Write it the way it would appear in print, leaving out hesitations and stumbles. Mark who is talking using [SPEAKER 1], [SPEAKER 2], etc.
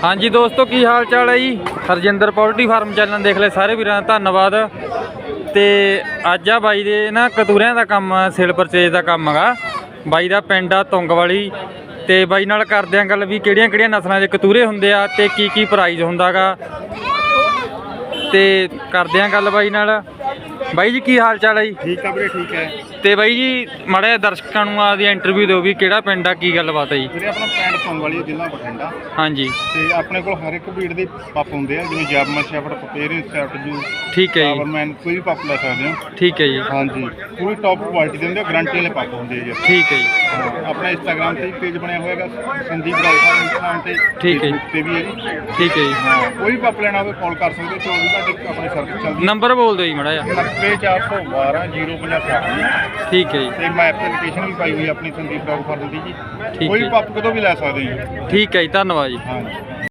[SPEAKER 1] हाँ जी दोस्तों की हाल चाल है जी। हरजिंदर पोल्ट्री फार्म चैनल देख ले सारे वीरां दा धन्नवाद। ते अज आ बाई दे ना कतूरियां दा काम सेल परचेज दा काम हैगा। बाई दा पिंड आ तुंगवाली ते बाई नाल करदे आ गल भी किहड़ियां नस्लां दे कतूरे हुंदे आ ते की प्राइस हुंदा गा ते करदे आ गल बाई नाल। बाई जी की हाल चाल है जी?
[SPEAKER 2] ठीक है वीरे ठीक है।
[SPEAKER 1] ਤੇ ਬਾਈ ਜੀ ਮਾੜਾ ਜਿਹਾ ਦਰਸ਼ਕਾਂ ਨੂੰ ਆਦੀ ਇੰਟਰਵਿਊ ਦਿਓ ਵੀ ਕਿਹੜਾ ਪਿੰਡ ਆ ਕੀ ਗੱਲਬਾਤ ਹੈ ਜੀ।
[SPEAKER 2] ਵੀਰੇ ਆਪਣਾ ਪਿੰਡ ਤੁੰਗਵਾਲੀ ਜ਼ਿਲ੍ਹਾ ਬਠਿੰਡਾ।
[SPEAKER 1] ਹਾਂਜੀ
[SPEAKER 2] ਤੇ ਆਪਣੇ ਕੋਲ ਹਰ ਇੱਕ ਬਰੀਡ ਦੇ ਪੱਪ ਹੁੰਦੇ ਆ ਜਿਵੇਂ ਜਰਮਨ ਸ਼ੈਫਰਡ, ਪਪੇਰੀਅਨ ਸ਼ੈਫਰਡ ਜੂ,
[SPEAKER 1] ਠੀਕ ਹੈ ਜੀ,
[SPEAKER 2] ਪਾਵਰਮੈਨ, ਕੋਈ ਵੀ ਪੱਪ ਲੈ ਸਕਦੇ ਹੋ।
[SPEAKER 1] ਠੀਕ ਹੈ ਜੀ,
[SPEAKER 2] ਹਾਂਜੀ ਪੂਰੀ ਟੌਪ ਕੁਆਲਿਟੀ ਦੇ ਹੁੰਦੇ ਆ, ਗਾਰੰਟੀ ਵਾਲੇ ਪੱਪ ਹੁੰਦੇ ਆ ਜੀ।
[SPEAKER 1] ਠੀਕ ਹੈ ਜੀ।
[SPEAKER 2] ਆਪਣਾ ਇੰਸਟਾਗ੍ਰਾਮ ਤੇ ਪੇਜ ਬਣਿਆ ਹੋਇਆ ਹੈਗਾ ਸੰਦੀਪ ਰਾਜਾ ਇੰਸਟਾਗ੍ਰਾਮ ਤੇ,
[SPEAKER 1] ਠੀਕ ਹੈ ਜੀ,
[SPEAKER 2] ਤੇ ਵੀ ਹੈ ਜੀ।
[SPEAKER 1] ਠੀਕ ਹੈ ਜੀ।
[SPEAKER 2] ਹਾਂ ਕੋਈ ਵੀ ਪੱਪ ਲੈਣਾ ਹੋਵੇ ਕਾਲ ਕਰ ਸਕਦੇ ਹੋ। 24 ਘੰਟੇ ਆਪਣੀ ਸਰਵਿਸ ਚੱਲਦੀ।
[SPEAKER 1] ਨੰਬਰ ਬੋਲ ਦਿਓ ਜੀ ਮਾੜਾ ਜਿਹਾ।
[SPEAKER 2] 90412 050।
[SPEAKER 1] ਠੀਕ ਹੈ ਜੀ,
[SPEAKER 2] ਤੇ ਮੈਂ ਐਪਲੀਕੇਸ਼ਨ ਵੀ ਪਾਈ ਹੋਈ ਆਪਣੀ ਸੰਦੀਪ ਡੌਗ ਫਾਰਮ ਦੀ ਜੀ।
[SPEAKER 1] ਠੀਕ
[SPEAKER 2] ਕੋਈ
[SPEAKER 1] ਹੈ।
[SPEAKER 2] ਪੱਪ ਕਦੋਂ ਵੀ ਲੈ ਸਕਦੇ ਹੋ ਜੀ।
[SPEAKER 1] ਠੀਕ ਹੈ ਜੀ, ਧੰਨਵਾਦ ਜੀ।
[SPEAKER 2] ਹਾਂਜੀ।